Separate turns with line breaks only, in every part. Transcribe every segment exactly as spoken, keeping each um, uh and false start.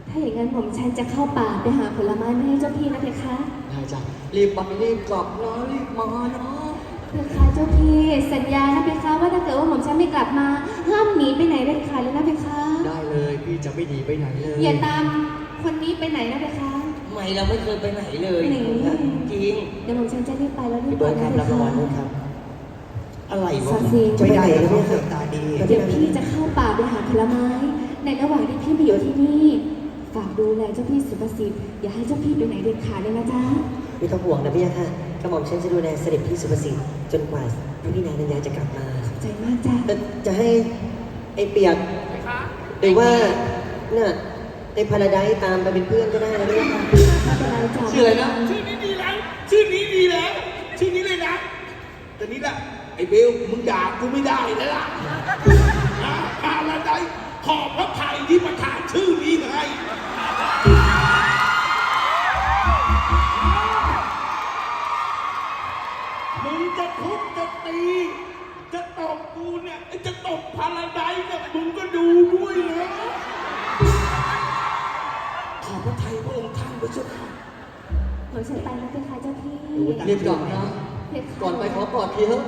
ถ้าอย่างนั้นผมฉันจะเข้าป่าไปหาผลไม้มาให้เจ้าพี่นะเพคะ
ได้จ้ะรีบไปรีบกลับนะรีบมาเนาะ
เพคะเจ้าพี่สัญญานะเพคะว่าถ้าเกิดว่าผมฉันไม่กลับมาห้ามหนีไปไหนเด็ดขาดเลยนะเพคะ
ได้เลยพี่จะไม่หนีไปไหนเลย
อย่าตามคนนี้ไปไหนนะเพคะ
ไม่เราไม่เคยไปไหนเลยจริง
เดี๋ยวผมฉันจะรีบไปแล้วรีบ
เบิ
ไป
ร์ดครับรับรางวัลด้วยครับอะไรวะ
ไม่
ได้แล้วไม่เคยตาดี
เดี๋ยวพี่จะเข้าป่าไปหาผลไม้ในระหว่างที่พี่มาอยู่ที่นี่ฝากดูแลเจ้าพี่สุภสิทธิ์อย่าให้เจ้าพี่ไปไหนเด็ดขาดเลยนะจ๊ะ
ไม่ต้องห่วงนะพี่ค่ะกระหม่อมฉันจะดูแลเสด็จพี่สุภสิทธิ์จนกว่าพี่นายนัญญาจะกลับมา
ขอบใจมากจ้ะ
จะให้ไอ้เปียกหรือว่าเนี่ยไอ้พาราไดซ์ตามไปเป็นเพื่อนก็ได้นะพี่ค่ะ
ชื่ออะไรนะ
ชื่อนี้ดีแล้วชื่อนี้ดีแล้วชื่อนี้เลยนะแต่นี้แหละไอ้เบลมึงด่ากูไม่ได้แล้วล่ะพาราไดซ์ขอบพระไทยที่ประทานชื่อนี้ให้มึงจะทุบจะตีจะตบกูเนี่ยจะตบพาราไดซ์เนี่ยมึงก็ดูด้วยนะขอบพระไทยพระองค์ท่านพระเจ้าค่ะ
ผมฉันไปนะเพคะเจ้าพี่
รีบกลับนะก่อนไปขอกอดทีเถอะ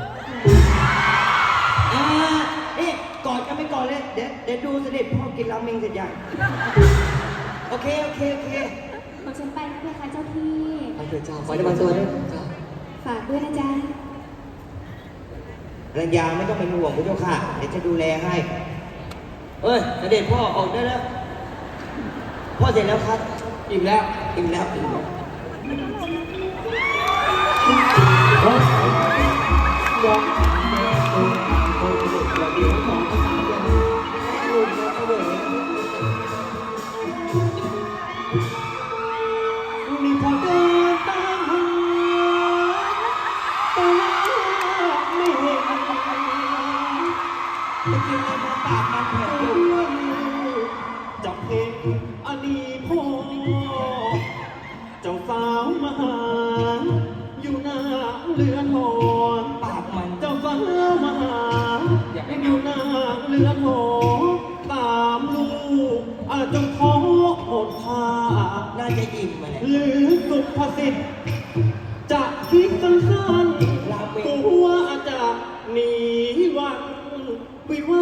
อ่านี่กอดกันไม่ก่อนเลยเดี๋ยวเดี๋ยวดูเสด็จพ่อกินราเมงเสร็จยังโอเคโอเคโอเค
ผมฉันไปนะเพคะเจ้าพี่
ไปเถอะจ้า
ไปมาตัวด้วย
ฝากด้วยนะจ๊ะ
รัญญาไม่ต้องเป็นห่วงพระเจ้าค่ะเดี๋ยวจะดูแลให้เอ้ยเสด็จพ่อออกได้แล้วพ่อเสร็จแล้วครับ
อิ่มแล้ว
อิ่มแล้วอิ่มแล้วมีพอเดินตามหาแต่ไม่เห็นจะกินอะไรมาปากมันแผล
จับเพลงอันนี้พ่อเจ้าสาวมาหาอยู่หน้าเรือนหอ
ปากมัน
เจ้าสาวมาหาอยู่หน้าเรือนหอตามลูกอาจจะท้อหดท่า
น่าจะอิ่มมาเลย
หรือสุภสิทธิ์จะคิดสั้นๆตัวจะหนีวันวิวา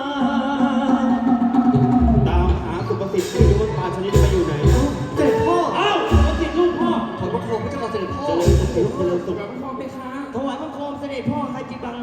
ตามหาสุภสิทธิ์ที่รู้ว่าปลาชนิดไปอยู่ไหน
เสด็จพ่อ
อ้าวสุภสิทธิ์ลูกพ่อ
ขอพระโคมพระเจ้าเสด็จพ่อ
เจริญสุขเจริญสุข
ถวายบังคมไปค้าถวายบังคมเสด็จพ่อใครจิบัง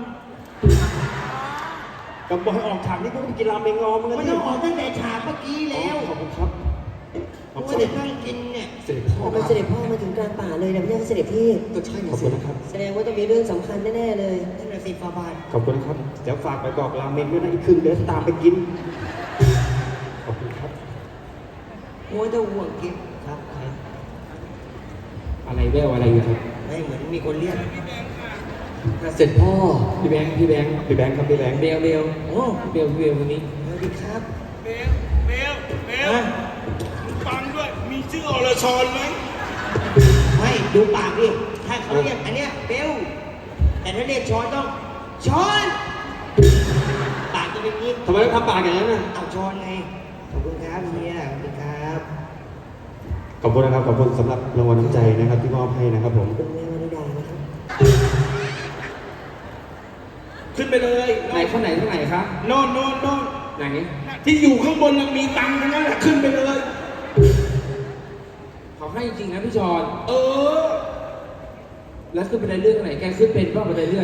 กำบอกให้ออกฉากนี้ก็ไปกินราเมงงอมึง
ไม่ต้องออกตั้งแต่ฉากเมื่อกี้แล้ว
ขอบคุณครับ
ผมว่าเด็กนั่งกินเนี่ย
เสด็จพ่อ
เป็นเสด็จพ่อมาถึงกลางป่าเลยนะพี่เสด็จพี่
ก็ใช่
ขอบคุณนะครับ
แสดงว่าต้องมีเรื่องสำคัญแน่ๆเลยนั่นแหละสิฟาบาน
ขอบคุณครับเดี๋ยวฝากไปบอกราเมงด้วยนะอีกครึ่งเดี๋ยวตามไปกินขอบคุณครับ
โอ้ยจะห่วงกินครับ
อะไรแววอะไรอยู่ครับ
ไม่เหมือนมีคนเรียก
เสร็จพ่อ
พี่แบงค์พี่แบงค์พี่แบงค์ครับพี่แบงค์
เบลเบล
โอ้
เบลเบลวันนี้
สวัสดีครับ
เบลเบลเบลฟังด้วยมีชื่ออรชรไหม
ไม่ดูปากดิถ้าเขาเรียกอันเนี้ยเบลแต่ถ้าเรียกชอนต้องชอนปากจะเป็นงี้
ทำไมต้องทำปากอย่างนั้นน่ะ
เอาชอนไงขอบคุณครับเฮียขอบคุณครับ
ขอบคุณนะครับขอบคุณสำหรับรางวัลน้ำใจนะครับที่มอบให้นะครับผม
คุณแม่วนิดานะครับ
ขึ้นไปเลย
ไหนข้างไหนข้างไหนครับ
โน่นโน่นโน่น
ไหน
ที่อยู่ข้างบนยังมีตังค์ทั้งนั้นแหละขึ้นไปเลย
เขาให้จริงนะพี่ชอน
เออ
แล้วขึ้นไปได้เรื่องไหนแกขึ้นเป็นบ้างไปได้เรื่อง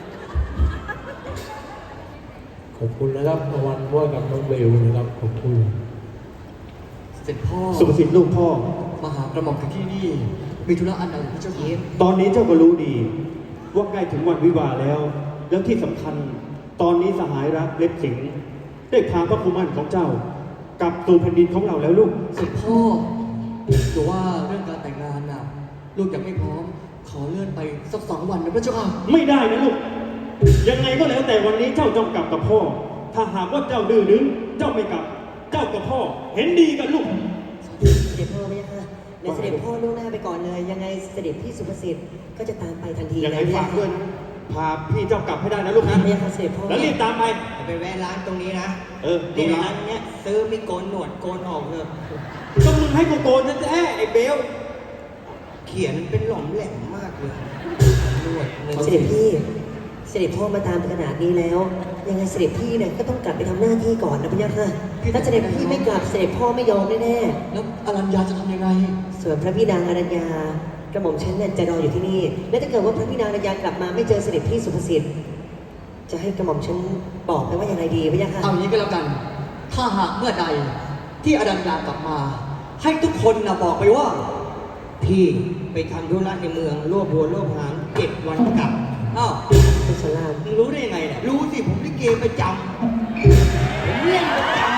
ขอบคุณนะครับรางวัลว่ากับน้องเบลนะครับขอบคุณ
เสร็จพ่อ
สุภสิทธิ์ลูกพ่อ
มาหากระหม่อมถึงที่นี่มีธุระอันใดพระเจ้าเย็น
ตอนนี้เจ้าก็รู้ดีว่าใกล้ถึงวันวิวาห์แล้วแล้วที่สำคัญตอนนี้สหายรักเล็บสิงห์ได้พาพระคุมันของเจ้ากลับสู่แผ่นดินของเราแล้วลูก
เสร็จพ่อแต่ว่าเรื่องการแต่งงานน่ะลูกยังไม่พร้อมขอเลื่อนไปสักสองวันนะพระเจ้าค่ะ
ไม่ได้นะลูกยังไงก็แล้วแต่วันนี้เจ้าต้องกลับกับพ่อถ้าหากว่าเจ้าดื้อดึงเจ้าไม่กลับเจ้ากับพ่อเห็นดีกันลูก
เสด็จพ่อไม่ยากเดี๋ยวเสด็จพ่อล่วงหน้าไปก่อนเลยยังไงเสด็จพี่สุภสิทธิ์ก็จะตามไปทันที
ยังไงฝากด้วย
พาพี่เจ้ากลับให้ได้นะลูกนะ
พระยาค่ะเสด็จพ่อ
แล้วรีบตามไป
ไปแวะร้านตรงนี้นะ
เออ
นี่
ดูร้า
ร้าน นเนี้ยซื้อมีโกนหนวดโกนออกเถอะ
ก็มึงให้กูโกนนะแท้ไอ้เบล
เขียนเป็นหล่อมแหลมมากเลยหนวดเงิน
เสด็จพี่ เสด็จพ่อมาตามขนาดนี้แล้ว ยังไงเสด็จพี่เนี่ยก็ต้องกลับไปทำหน้าที่ก่อนนะพระยาค่ะถ้าเสด็จพี่ไม่กลับเสด็จพ่อไม่ยอมแน่
แล้วอรัญญาจะทำยังไง
ๆส่วนพระพี่นางอรัญญากระหม่อมฉันเนี่ยจะรออยู่ที่นี่ และถ้าเกิดว่าพระพี่นางอรัญญากลับมาไม่เจอเสด็จพี่สุภสิทธิ์จะให้กระหม่อมฉันบอกไปว่ายังไงดีพระยาค่ะ
เอาอย่างนี้ก็แล้วกัน ถ้าหากเมื่อใดที่อรัญญากลับมา ให้ทุกคนนะบอกไปว่า
พี่ไปทำธุระในเมืองรวบหัวรวบหางเจ็ดวันกลับ
อ้าว
คุณสลาม
มึงรู้ได้ยังไงเนี่ย
รู้สิผมลิเกประจำผมเล่นประจำ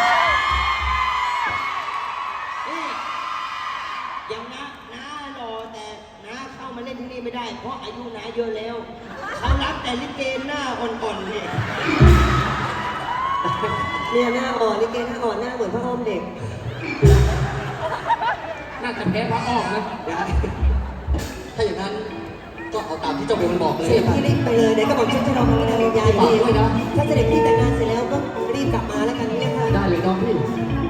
นี่อย่างน้าน้ารอแต่น้าเข้ามาเล่นที่นี่ไม่ได้ เพราะอายุน้าเยอะแล้ว เขารับแต่ลิเกหน้าอ่อนๆเนี่ย
เนี่ยหน้าอ่อนลิเกหน้าอ่อนหน้าเหมือนพระอ้อมเด็ก
น่าจะแพ้พระอ้อมนะ
ได้ถ้าอย่างนั้นก็เอาตามที่เจ้าเบลมันบอกเลย
เสด็จพี่รีบไปเลยเดี๋ยวกระหม่อมฉันจะรอพระพี่นางอรัญญาอยู่
ฝากด้วยนะ
ถ้าเสด็จพี่แต่งงานเสร็จแล้วก็รีบกลับมาแล้วกันเนี่ยค่ะ
ได้เลยน้องพี่
เ